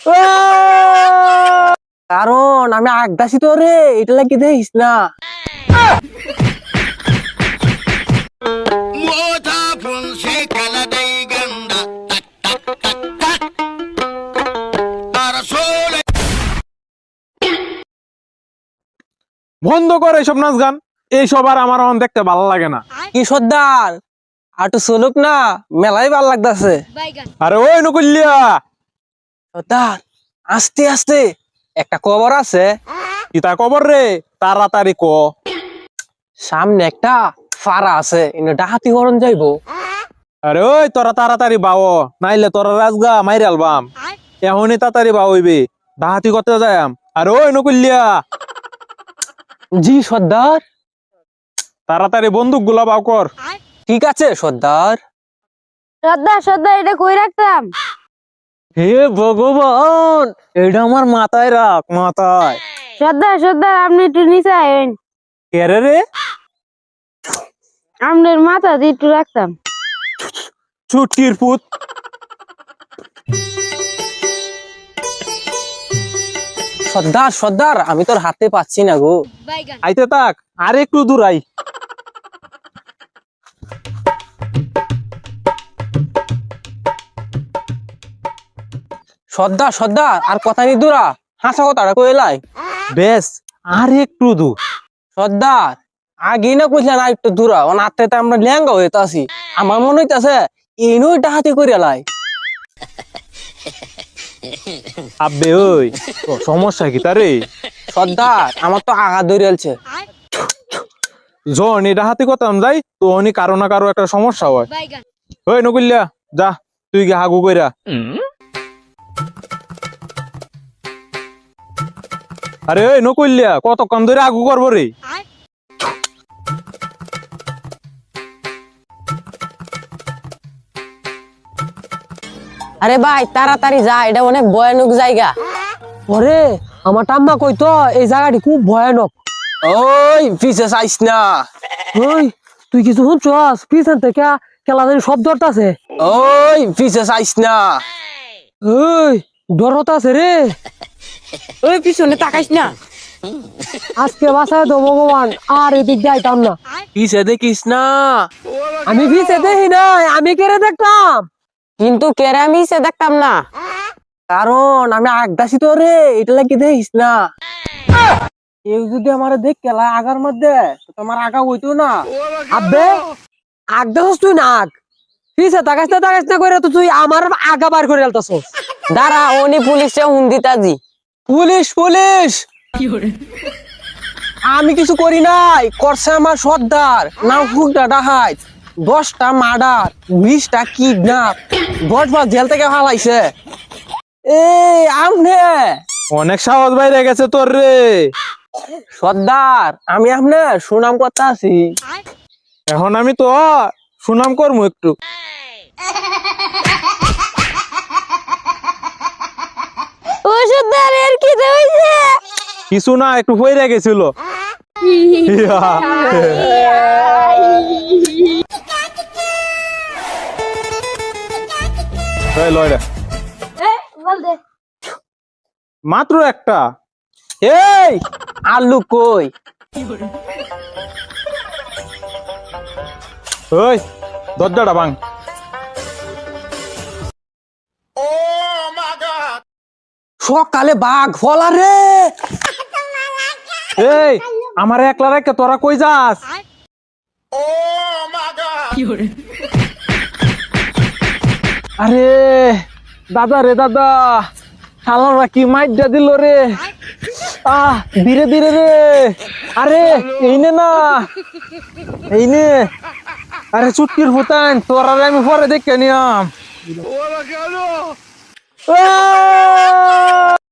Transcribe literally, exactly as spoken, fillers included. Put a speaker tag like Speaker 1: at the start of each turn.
Speaker 1: কারণ আমি আগদাসি তো রে, এটা লাগি দেখিস না।
Speaker 2: বন্ধ করে এইসব নাচ গান, এইসব আর আমার এখন দেখতে ভালো লাগে না।
Speaker 1: কি সর্দার, আর তো চলুক না, মেলাই ভাল লাগতেছে।
Speaker 2: আরে ওই নকুলিয়া,
Speaker 1: সর্দার আস্তে আস্তে একটা খবর আছে।
Speaker 2: কিতা কবর রে, তাড়াতাড়ি ক।
Speaker 1: সামনে একটা ফাড়া আছে, ইনো ডাহাতি করন যাইবো।
Speaker 2: আরে ওই তোরা তাড়াতাড়ি বাও, নাইলে তোরা রাজগা মাইরে আলবাম। এখনই তাড়াতাড়ি বাও হইবে, ডাহাতি করতে যাইম। আরে ওই নকুলিয়া,
Speaker 1: জি সর্দার।
Speaker 2: তাড়াতাড়ি বন্দুক গুলা বাও কর।
Speaker 1: ঠিক আছে সর্দার।
Speaker 3: সর্দার সর্দার এটা কই রাখতাম?
Speaker 1: হে ভগবান, এটা আমার মাথায় রাখ, মাথায়।
Speaker 3: সর্দার সর্দার আপনি একটু নিচে আইন,
Speaker 1: কেরে রে?
Speaker 3: আপনার মাথা দিয়ে একটু রাখতাম।
Speaker 2: ছুটির পুত।
Speaker 1: সর্দার সর্দার, আমি তোর হাতে পাচ্ছি না গো।
Speaker 2: আইতে তাক, আর একটু দূর আই।
Speaker 1: সর্দার সর্দার, আর কথা নি দূরা, হাসা কথাটা কইলাই।
Speaker 2: বেশ, আর একটু দূর।
Speaker 1: সর্দার আগে না কইলেন আর একটু দূরা, ও নাতে আমরা লেঙ্গা হইতে আছি। আমার মনে হইতাছে ইনুই ডাহাতি করে লাই।
Speaker 2: আব্বে ওই, তোর সমস্যা কি তারে?
Speaker 1: সর্দার আমার তো আগা ধরিয়ালছে।
Speaker 2: যখন এটা হাতি করতাম যাই, তো অনি কারো না কারো একটা সমস্যা হয়। ওই নকুলিয়া, যা তুই কি হাগু কইরা। আরে ওই নকুলিয়া, কতক্ষণ ধরে আগু করবো রে?
Speaker 3: আরে ভাই তাড়াতাড়ি যা, এটা অনেক ভয়ানক জায়গা।
Speaker 1: ওরে আমার টাম্মা কইতো এই জায়গাটি খুব ভয়ানক। ওই পিছে চাইস না। ওই তুই কিছু শুনছস? পিছন থেকে কেলা জানি শব্দ আছে। ওই পিছে চাইস না। ওই ডরত আছে রে।
Speaker 3: ওই পিছনে তাকাইস না।
Speaker 1: আজকে বাসায় তো ভগবান, আর এদিক যাইতাম না। পিছে দেখিস না। আমি পিছে দেখি নাই, আমি কেড়ে দেখতাম।
Speaker 3: কিন্তু কেরামিসে দেখতাম না।
Speaker 1: কারণ আমি আগদাসি তো রে, এটা লাগি দেখিস না। কেউ যদি আমার দেখ কেলা আগার মধ্যে, তোমার আগা হইতো না। আব্বে আগদাসস তুই না আগ, পিছে তাকাস না তাকাস না করে তো তুই আমার আগা বার করে আলতাছস।
Speaker 3: দাঁড়া, উনি পুলিশে হুন্দিতাজি।
Speaker 1: পুলিশ পুলিশ, আমি কিছু করি নাই, করছে আমার সর্দার। না হুকটা ডাহাই, দশটা মার্ডার, বিশটা কিডন্যাপ, দশ বার জেল থেকে ফালাইছে। এই আমনে
Speaker 2: অনেক সাহস বাইরে গেছে তোর রে।
Speaker 1: সর্দার, আমি আমনে সুনাম করতে আছি।
Speaker 2: এখন আমি তো সুনাম করবো একটু।
Speaker 3: ও সর্দার এর কি হইছে?
Speaker 2: কিছু না, একটু হয়ে গেছিল। মাত্র একটা।
Speaker 1: এই আলু কই?
Speaker 2: ওই দরজাটা ভাঙ।
Speaker 1: সকালে বাঘ ফলা রে।
Speaker 2: এই আমার একলা রেখে তোরা কই যাস? আরে দাদা রে দাদা, শালারা কি মাইজা দিল রে। আহ ধীরে ধীরে রে। আরে এইনে না, এইনে। আরে চুটকির ফুটান, তোরা আমি পরে দেখে নিয়াম।